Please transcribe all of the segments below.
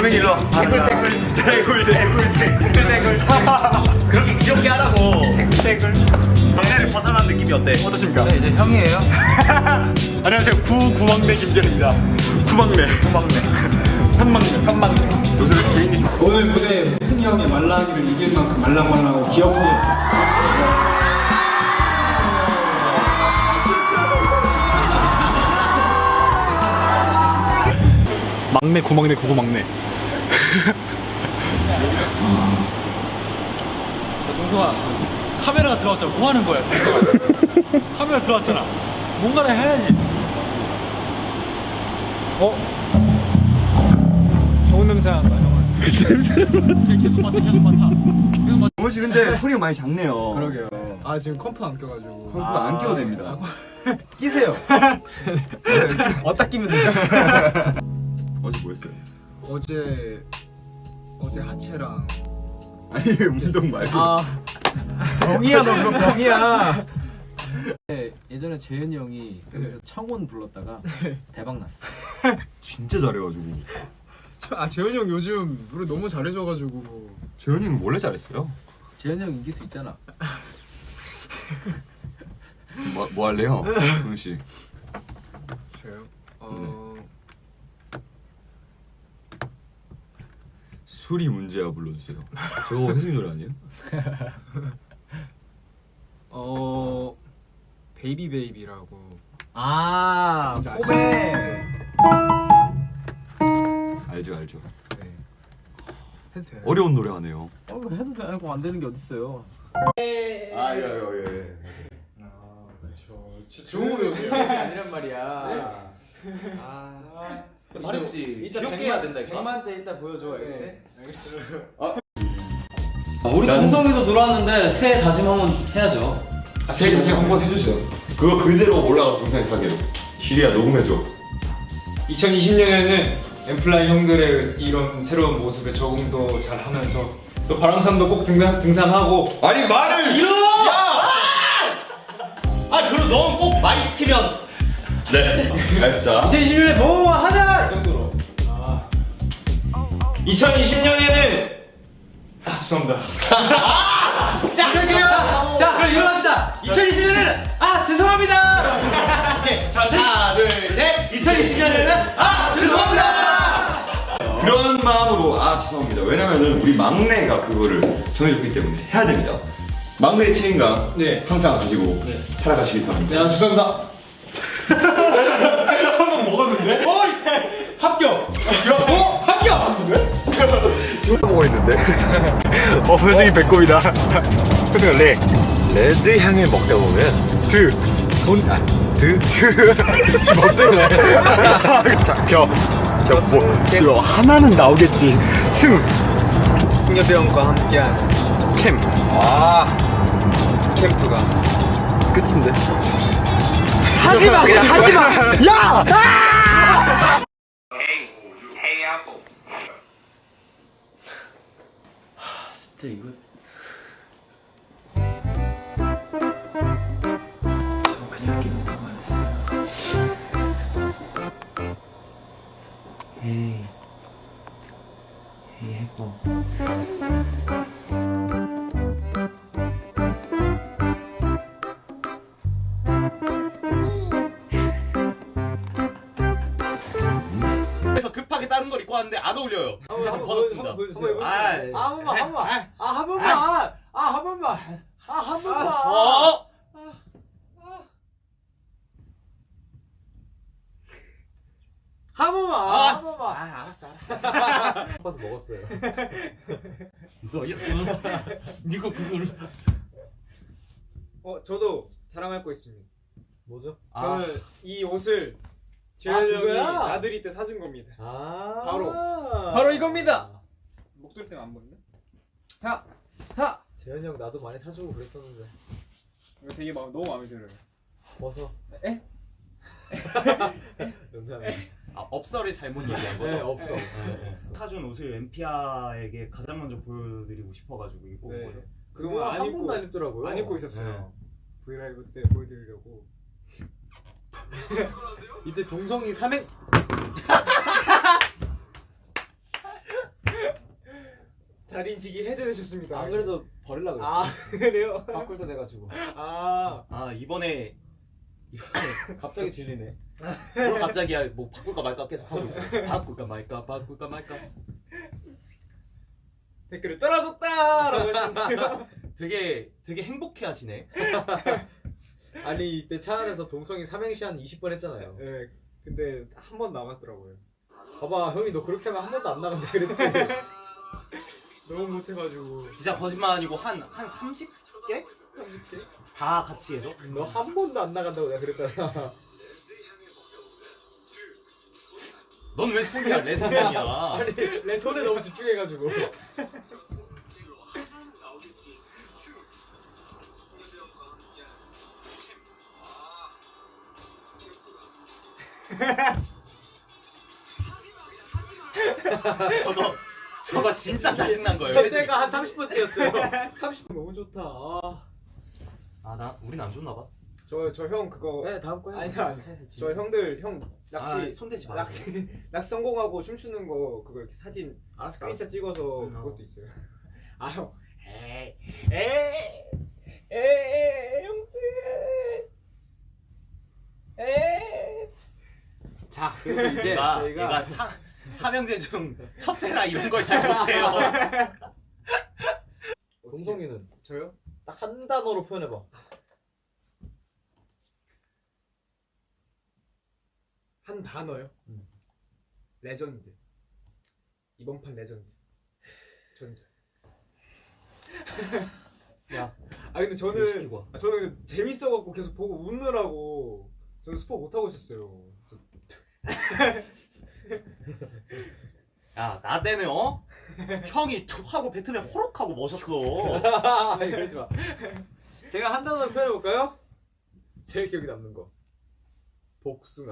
조명이 일로 와. 대굴. 그렇게 귀엽게 하라고. 대굴. 막내를 벗어난 느낌이 어때? 어떠십니까? 저 이제 형이에요. 안녕하세요. 구막내 김재입니다. 구막내. 현막내. 요새 개인기 좋아. 오늘 무대 승희 형의 말랑이를 이길 만큼 말랑말랑하고 귀엽게 막내 구막내 구구막내. 동성아, 카메라가 들어왔잖아. 뭐 하는 거야? 카메라 들어왔잖아. 뭔가를 해야지. 좋은 냄새 난다 형은. 계속 맡아. 계속 맡아. 정원 씨 근데 소리가 많이 작네요. 그러게요. 아 지금 컴프 안 껴가지고. 컴프가 안 껴도 됩니다. 끼세요. 어디다 끼면 되죠? 어제 뭐 했어요? 어제 하체랑. 아니 운동 말고. 병이야 너 그거 병이야. 예전에 재현이 형이 여기서 청혼 불렀다가 대박 났어. 진짜 잘해가지고. 재현이 형 요즘 노래 너무 잘해줘가지고. 재현이는 원래 잘했어요. 재현이 형 이길 수 있잖아. 뭐 할래요? 정원 씨. 저요? 술이 문제야 불러주세요. 저거 혜승이 노래 아니에요? 베이비 베이비라고. 아, 뭔지 꼬배. 알죠. 네. 해도 돼요? 어려운 노래 하네요. 해도 되고 안 되는 게 어딨어요. 예. 좋은 거 요즘 아니란 말이야. 말했지. 귀엽게 해야 된다, 이거. 100만 때 이따 보여줘, 알겠지? 알겠어. 우리 동성이도 들어왔는데 새해 다짐 한번 해야죠. 새해 다짐 한번 해주세요. 그거 그대로 올라가 정상에 가게로. 시리아 녹음해줘. 2020년에는 엠플라이 형들의 이런 새로운 모습에 적응도 잘 하면서 또 바람산도 꼭 등산하고. 아니 말을 그리고 너 꼭 많이 시키면 네. 알았어. 2020년에 뭐 하자! 이 정도로. 2020년에는 죄송합니다. 자, 그럼 일어납시다. 2020년에는 죄송합니다. 자, 하나, 둘, 셋. 2020년에는 죄송합니다. 그런 마음으로 죄송합니다. 왜냐면은 우리 막내가 그거를 정해줬기 때문에 해야 됩니다. 막내의 책임감 항상 가지고 살아가시기 바랍니다. 네, 죄송합니다. 한번 먹었는데? 합격. 먹어 있는데. 회승이 배꼽이다. 회승아 레드 향을 먹다 보면 지금 어때요? 자, 뭐 하나는 나오겠지. 승엽이 형과 함께하는 캠프가 끝인데. 하지마, 그냥 하지마! 진짜 이거. 저 그냥 게임 당황했어요. 에이 해고. 그래서 급하게 다른 걸 입고 왔는데 안 어울려요. 그래서 벗었습니다. 한 번만. 알았어. 벗어 먹었어요. 너였어. 니가 그걸. 저도 자랑할 거 있습니다. 뭐죠? 저는 이 옷을 재현이 형이 그거야? 나들이 때 사준 겁니다. 바로 바로 이겁니다. 목도리 때문에 안 보이네. 재현이 형 나도 많이 사주고 그랬었는데. 이거 되게 너무 마음에 들어요. 벗어. 에? 농담이야. 업설을 잘못 얘기한 거죠. 네, 없어. 사준 옷을 엠피아에게 가장 먼저 보여드리고 싶어가지고 입고 온 거죠. 그동안 안 한 입고 번도 안 입더라고요. 안 입고 있었어요. 브이라이브 때 보여드리려고. 이때 동성이 삼행 달인지기 해제되셨습니다. 안 그래도 버리려고 했어. 아 그래요? 바꿀 때 돼가지고. 아 이번에 갑자기 질리네. 그럼 갑자기 뭐 바꿀까 말까 계속 하고 있어. 바꿀까 말까. 댓글을 떨어졌다라고 하시는데요. 되게 행복해 하시네. 아니 이때 차 안에서 동성이 삼행시 한 20번 했잖아요. 네, 근데 한 번 남았더라고요. 봐봐 형이 너 그렇게 하면 한 번도 안 나간다 그랬지. 너무 못해가지고. 진짜 거짓말 아니고 한 30개? 30개? 다 같이 해서? 너 한 번도 안 나간다고 내가 그랬잖아. 넌 왜 손이야? 내 손이야. 아니 내 손에 너무 집중해가지고. 저거 진짜 짜증난 거예요. 그때가 한 30번째였어요. 30번 너무 좋다. 우린 안 좋나 봐. 저 형 그거. 네 다음 거 해. 아니야. 저 형들 형 낚시 손대지 마. 낚시 성공하고 춤추는 거 그거 이렇게 사진 스크린샷 찍어서 그것도 있어요. 아 형. 형들. 자 그래서 이제 얘가 저희가 삼형제 중 첫째라 이런 걸 잘 못해요. 동성이는 저요? 딱 한 단어로 표현해봐. 한 단어요? 레전드. 이번 판 레전드. 전자. 야, 근데 뭐 저는 시키고 와. 저는 재밌어갖고 계속 보고 웃느라고 저는 스포 못 하고 있었어요. 야, 나 때는 형이 툭 하고 뱉으면 호록하고 멋있어. 아니 그러지 마. 제가 한 단어로 표현해볼까요? 제일 기억에 남는 거. 복숭아.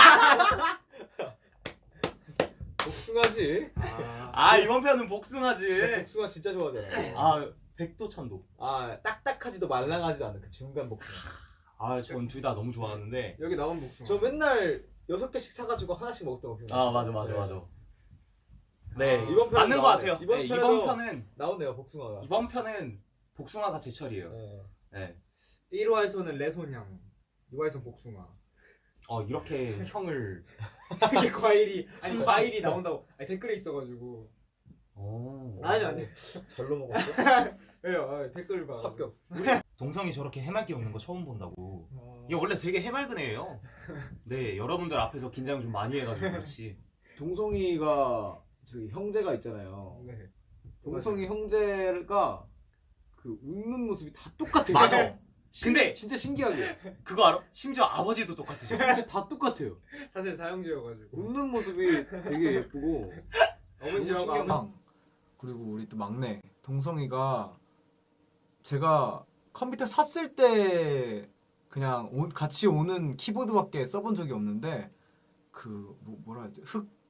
복숭아지. 이번 편은 복숭아지. 저 복숭아 진짜 좋아하잖아요. 백도천도. 딱딱하지도 말랑하지도 않은 그 중간 복숭아. 전 둘 다 너무 좋아하는데. 여기 나온 복숭아. 저 맨날 6개씩 사가지고 하나씩 먹던 거 기억나요? 맞아. 네, 이번 편은 맞는 것 나오네. 같아요. 이번 네, 편에도 이번 편은 나오네요 복숭아가. 이번 편은 복숭아가 제철이에요. 네. 네. 1화에서는 레소냥, 2화에서는 복숭아. 이렇게 형을. 이게 과일이 나온다고 댓글에 있어가지고. 아니 절로 먹었어? 왜요? 댓글 봐. 합격. 동성이 저렇게 해맑게 웃는 거 처음 본다고. 이게 원래 되게 해맑은 애예요. 네, 여러분들 앞에서 긴장 좀 많이 해가지고 그렇지. 동성이가 저기 형제가 있잖아요. 네. 동성이 형제가 그 웃는 모습이 다 똑같아요. 맞아. 근데 진짜 신기하게 그거 알아? 심지어 아버지도 똑같으셔. 진짜 다 똑같아요. 사실 사형제여가지고. 웃는 모습이 되게 예쁘고 어머니하고 그리고 우리 또 막내 동성이가 제가 컴퓨터 샀을 때 그냥 같이 오는 키보드밖에 써본 적이 없는데 그 뭐라 하지?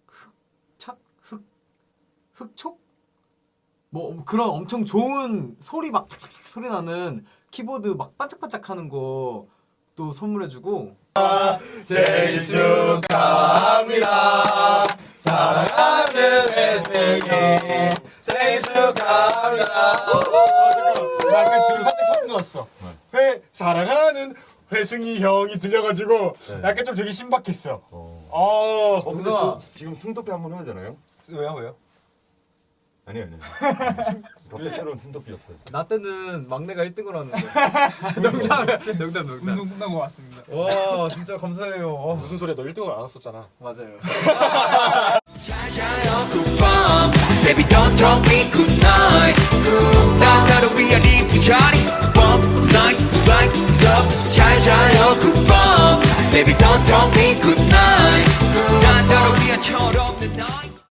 흑촉? 뭐 그런 엄청 좋은 소리 막 착착착 소리 나는 키보드 막 반짝반짝하는 거 또 선물해주고 생일 축하합니다 사랑하는 회승이 생일 축하합니다 나 약간 지금 살짝 소름 돋았어 사랑하는 회승이 형이 들려가지고 약간 좀 되게 신박했어 근데 저 지금 숨도피 한번 해야 되나요? 왜요? 아니요. 갑작스러운 숨도피였어요. 나 때는 막내가 1등을 하는데 농담 운동 끝나고 왔습니다. 와 진짜 감사해요 무슨 소리야 너 1등을 안 했었잖아 맞아요 Baby don't tell me goodnight 난 나를 위한 이 부자리 One night like love 잘 자요 good bomb Baby don't tell me